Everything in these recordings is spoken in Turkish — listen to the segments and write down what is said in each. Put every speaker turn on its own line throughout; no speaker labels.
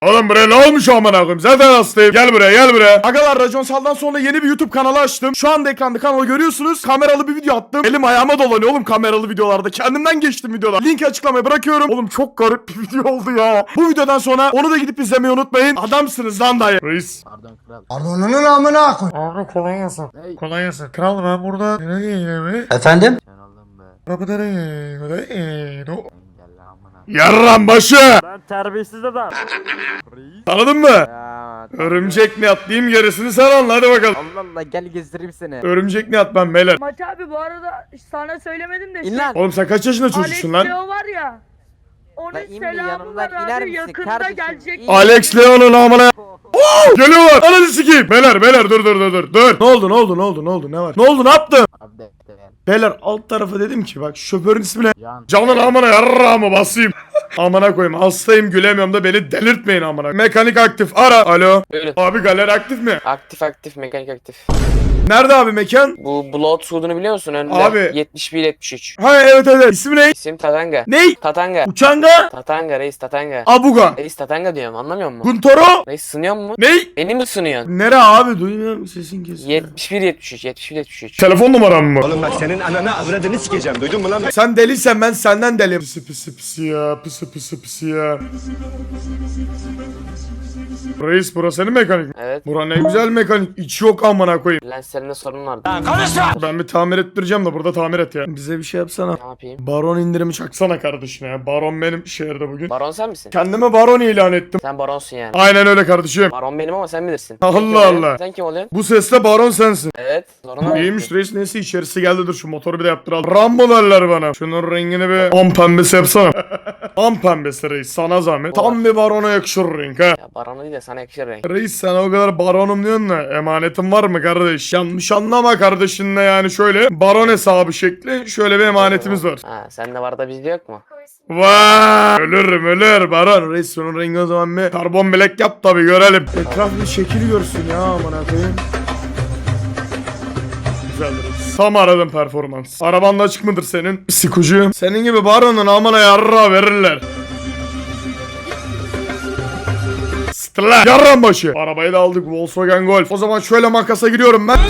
Oğlum buraya ne olmuş amına koyayım? Zaten hastayım. Gel buraya, gel buraya. Agalar, Raconsal'dan sonra yeni bir YouTube kanalı açtım. Şu anda ekranda kanalı görüyorsunuz. Kameralı bir video attım. Elim ayağıma dolanıyor oğlum kameralı videolarda. Kendimden geçtim videolar. Linki açıklamaya bırakıyorum. Oğlum çok garip bir video oldu ya. Bu videodan sonra onu da gidip izlemeyi unutmayın. Adamsınız lan dayı. Reis.
Pardon kral.
Pardonunun amına koy.
Abi kolay gelsin.
Hey.
Kolay gelsin. Kral ben burada nereye gidiyorum?
Efendim?
Sen oğlum be.
Abi nereye gidiyorum?
Engelle amına.
Yarram başı.
Ben terbiyesiz adam.
Tanıdın mı?
Ya.
Örümcek ne atlayayım gerisini sen anla hadi bakalım.
Allah Allah gel gezdireyim seni.
Örümcek ne at ben beyler.
Maç abi bu arada sana söylemedim de
İn lan.
Oğlum sen kaç yaşında
Alex
çocuksun lan?
Leo var ya. Onun
Lan in bir
selamı
yanımdan
var
iner
abi
misin
yakında
kardeşim?
gelecek.
İn.
Alex Leon'un amına. Geliyorlar. Ananı sikeyim. Beyler dur. Ne oldu ne var? Ne oldu ne yaptın?
Abi de yani.
Beyler alt tarafa dedim ki bak şoförün ismi ne?
Can.
Canın amına yarrağımı basayım. Amına koyayım hastayım gülemiyorum da beni delirtmeyin amına. Mekanik aktif ara. Alo.
Öyle.
Abi galeri aktif mi?
Aktif mekanik aktif.
Nerede abi mekan?
Bu Blood Suud'unu biliyor musun? Önünde
Abi.
71-73.
Ha evet. İsmi ne?
İsim Tatanga.
Ney?
Tatanga.
Uçanga?
Tatanga reis Tatanga.
Abuga.
Reis Tatanga diyorum anlamıyor musun?
Guntoro?
Reis sınıyor mu?
Ney?
Beni mi sınıyorsun?
Nere abi duymuyorum sesin kesiliyor.
71-73.
Telefon numaram mı?
Oğlum bak senin ananı avradını sikeceğim duydun mu lan?
Sen deliysen ben senden deliyim. Pısı ya. Reis burası senin mekanik mi?
Evet.
Bura ne güzel mekanik. İçi yok amına koyayım.
Lenslerinde sorun vardı.
Ben bir tamir ettireceğim de burada tamir et ya. Bize bir şey yapsana.
Ne yapayım?
Baron indirimi çaksana kardeşine ya. Baron benim şehirde bugün.
Baron sen misin?
Kendime baron ilan ettim.
Sen baronsun yani.
Aynen öyle kardeşim.
Baron benim ama sen bilirsin.
Allah
Sen kim oluyorsun?
Allah.
Sen kim oluyorsun?
Bu sesle baron sensin.
Evet. Zoruna
İyiymiş reis neyse içerisi geldi dur şu motoru bir de yaptıralım. Rambo derler bana. Şunun rengini bir am pembesi yapsana. Am pembesi reis sana zahmet. Tam bir barona yakışır renk ha.
Ya Baron'u değil de sana yakışır renk.
Reis sen o kadar baronum diyorsun da emanetin var mı kardeş? Yanlış anlama kardeşinle yani şöyle baron hesabı şekli şöyle bir emanetimiz var.
Ha sende var da bizde yok mu?
Vay ölür baron. Reis şunun rengi o zaman bir karbon black yap tabi görelim. Etraf bir şekil görsün ya amına koyayım. Güzeldir. Tam aradım performans. Araban da açık mıdır senin? Sikucu. Senin gibi baronun amına yarra verirler. Stla. Yarran başı. Arabayı da aldık Volkswagen Golf. O zaman şöyle makasa giriyorum ben.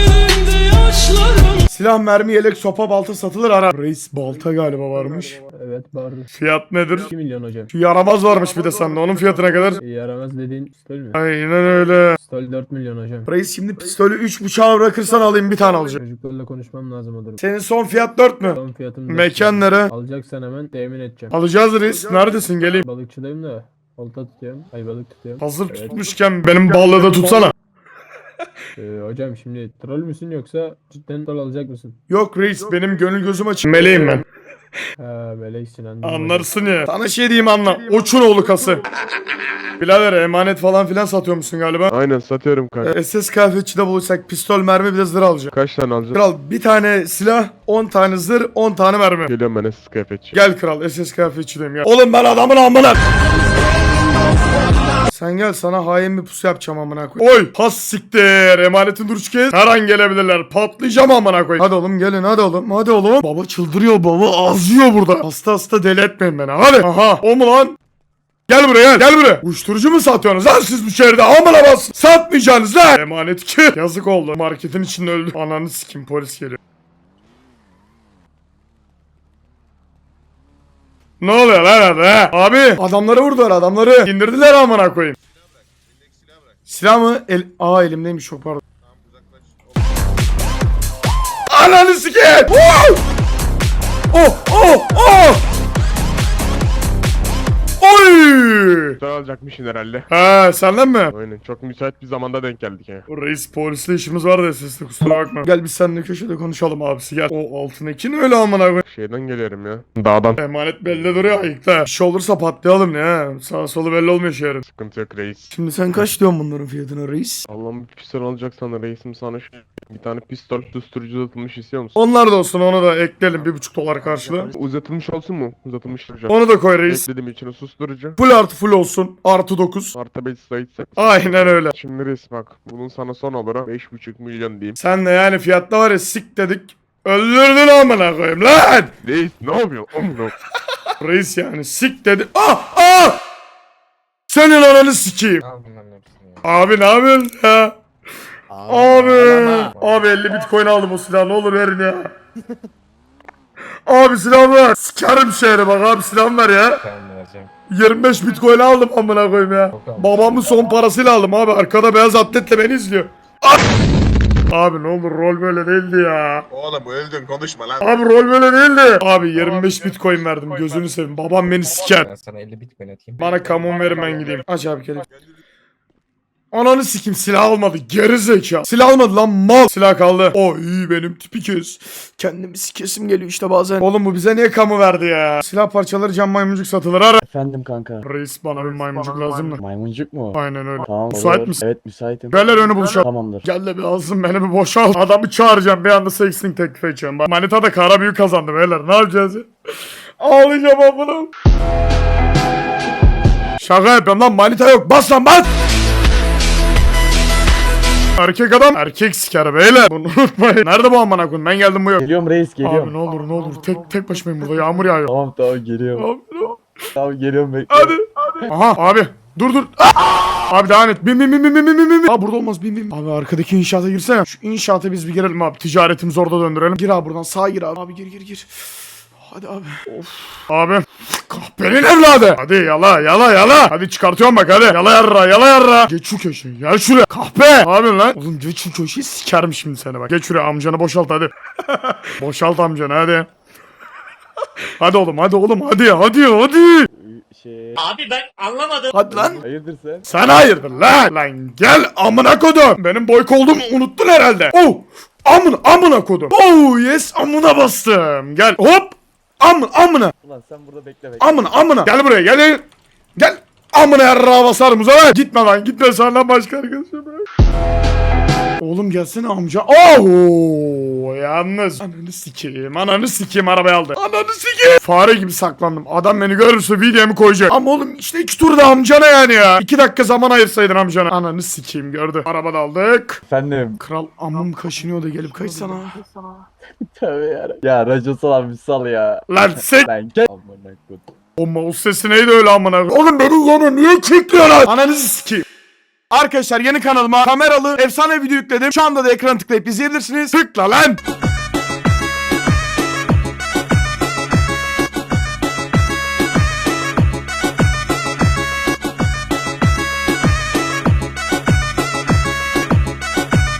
Silah, mermi, yelek, sopa, balta satılır ara. Reis balta galiba varmış.
Evet vardı.
Fiyat nedir?
2 milyon hocam.
Şu yaramaz varmış bir de sende. Onun fiyatı ne kadar?
Yaramaz dediğin pistol mü?
Aynen öyle.
Pistol 4 milyon hocam.
Reis şimdi pistolü 3.5'a bırakırsan alayım bir tane alacağım.
Çocuklarla konuşmam lazım o durum.
Senin son fiyat 4 mü?
Son fiyatım 4
Mekan nere?
Alacaksan hemen temin edeceğim.
Alacağız reis. Neredesin geleyim.
Balıkçıdayım da. Olta tutuyorum. Ay balık tutuyorum.
Hazır
Evet.
tutmuşken benim ballığı da tutsana.
Hocam şimdi troll müsün yoksa cidden troll alacak mısın?
Yok reis benim gönül gözüm açık. Meleğim ben.
Ha meleksin anladım.
Anlarsın ya. Sana şey diyeyim anla. Oçun oğlu kası. Birader emanet falan filan satıyor musun galiba?
Aynen satıyorum kanka.
SS kıyafetçide bulursak pistol, mermi bir de zırh alacağım.
Kaç tane alacaksın?
Kral bir tane silah, 10 tane zırh, 10 tane mermi.
Geliyorum ben SS kıyafetçi.
Gel kral SS kıyafetçideyim ya. Oğlum ben adamın amına. Sen gel sana hain bir pusu yapacağım amına koy. Oy has siktir emanetin duruş kes. Her an gelebilirler patlayacağım amına koy. Hadi oğlum gelin hadi oğlum. Baba çıldırıyor baba ağzıyor burada. Hasta deli etmeyin beni hadi. Aha o mu lan? Gel buraya. Uyuşturucu mu satıyorsunuz lan siz bu şehirde? Amına bas. Satmayacaksınız lan. Emanet ki. Yazık oldu. Marketin içinde öldü. Ananı sikim polis geliyor. Ne oluyor lan hadi? Abi adamları vurdular adamları. İndirdiler amına koyayım. Silah mı? Elimdeymiş çok pardon. Ananı sikeyim. Oh. Oy!
Pistol alacakmışsın herhalde.
Ha senden mi?
Aynen çok müsait bir zamanda denk geldik ya.
Reis polisle işimiz var da sesli kusura bakma. Gel biz seninle köşede konuşalım abisi gel. O altındaki ne öyle amına koy.
Şeyden geliyorum ya. Dağdan.
Emanet belli duruyor ayıkta. Bir şey olursa patlayalım ya. Sağ solu belli olmuyor şehrin.
Sıkıntı yok reis.
Şimdi sen kaç diyorsun bunların fiyatına reis?
Allah'ım bir pistol alacaksan reisim sana bir tane pistol susturucu uzatılmış istiyor musun?
Onlar da olsun onu da ekleyelim $1,5 karşılığı.
Uzatılmış olsun mu? Uzatılmış hocam.
Onu da koy reis.
Ekledim içine susturucu.
Full artı full olsun. Artı 9.
Artı 5 sayısı.
Aynen öyle.
Şimdi reis bak. Bunun sana son olarak 5,5 milyon diyeyim.
Sen de yani fiyatta var ya sik dedik. Öldürdün amına koyayım lan.
Reis ne yapıyorsun? Oğlum
Reis yani sik dedi. Ah! Senin ananı sikeyim. Abi ne yapıyorsun ya? Abi 50 bitcoin aldım o silahı, ne olur verin ya. Abi silah ver. Sikerim şehri bak abi, silah ver ya. 25 bitcoin aldım amına koyayım ya. Babamın son parasıyla aldım abi, arkada beyaz atletle beni izliyor. Abi ne olur, rol böyle değildi ya.
Oğlum öldün konuşma lan.
Abi rol böyle değildi. Abi 25 bitcoin verdim, gözünü seveyim. Babam beni siker.
Ben sana 50 bitcoin atayım.
Bana kamon verin, ben gideyim. Aç abi kelek. Ananı sikim, silah almadı geri zeka. Silah almadı lan mal. Silah kaldı. O iyi, benim tipi kes. Kendimi sikesim geliyor işte bazen. Oğlum bu bize niye kamu verdi ya? Silah parçaları cam maymuncuk satılır, ara.
Efendim kanka.
Reis bana bir maymuncuk lazım mı?
Maymuncuk mu?
Aynen öyle.
Tamam.
Müsait
olur.
misin?
Evet müsaitim.
Gel önü buluşalım.
Tamamdır.
Gel de bir alsın beni, bir boşal. Adamı çağıracağım, bir anda sexting teklif edeceğim. Bak manita da kara büyük kazandı beyler, ne yapacağız ya? Ağlayacağım amına. Şaka yapıyorum lan, manita yok, bas lan bas. Erkek adam erkek siker beyler. Bunu unutmayın. Nerede bu amına koyayım? Ben geldim, bu yok.
Geliyorum reis
Abi
geliyorum.
ne olur ne olur, tek başımayım burada, yağmur yağıyor.
Tamam geliyorum.
Abi, ne olur.
Tamam geliyorum bekle.
Hadi. Aha abi dur. Abi devam et. Bin. Abi burada olmaz, bin. Abi arkadaki inşaata girsene. Şu inşaata biz bir girelim abi. Ticaretimizi orada döndürelim. Gir abi buradan, sağa gir abi. Abi gir. Hadi abi. Of. Abi. Kahpenin evladı. Hadi yala. Hadi çıkartıyorum bak, hadi. Yala yarra. Geç şu köşeyi. Gel şuraya. Kahpe. Ne yapıyorsun lan? Oğlum geç şu köşeyi, sikerim şimdi seni bak. Geç şuraya, amcanı boşalt hadi. Boşalt amcanı hadi. Hadi oğlum hadi.
Abi ben anlamadım.
Hadi lan.
Hayırdır sen?
Sen hayırdır lan? Lan gel amına kodum. Benim boyk olduğumu unuttun herhalde. Oh. Amına kodum. Oh yes, amına bastım. Gel hop. Amına.
Ulan sen burada bekle.
Amına. Gel buraya gel. Gel. Amına yarrağa basarım Muzaffer. Gitme lan, gitme, senden başka arkadaşım. Oğlum gelsene amca. Oh yalnız. Ananı sikeyim arabayı aldı. Ananı sikeyim. Fare gibi saklandım. Adam beni görürse videomu koyacak. Ama oğlum işte 2 turda amcana yani ya. 2 dakika zaman ayırsaydın amcana. Ananı sikeyim, gördü. Arabada aldık.
Efendim.
Kral amım kaşınıyor da gelip kaçsana.
Tövbe yarabbim. Ya racon sal bir sal ya.
Lan sik.
Lan gel. Amına koyayım.
O mouse sesi neydi öyle amına? Oğlum beni yine niye kilitliyorlar? Ananızı sikeyim. Arkadaşlar yeni kanalıma kameralı efsane video yükledim. Şu anda da ekranı tıklayıp izleyebilirsiniz. Tıkla lan.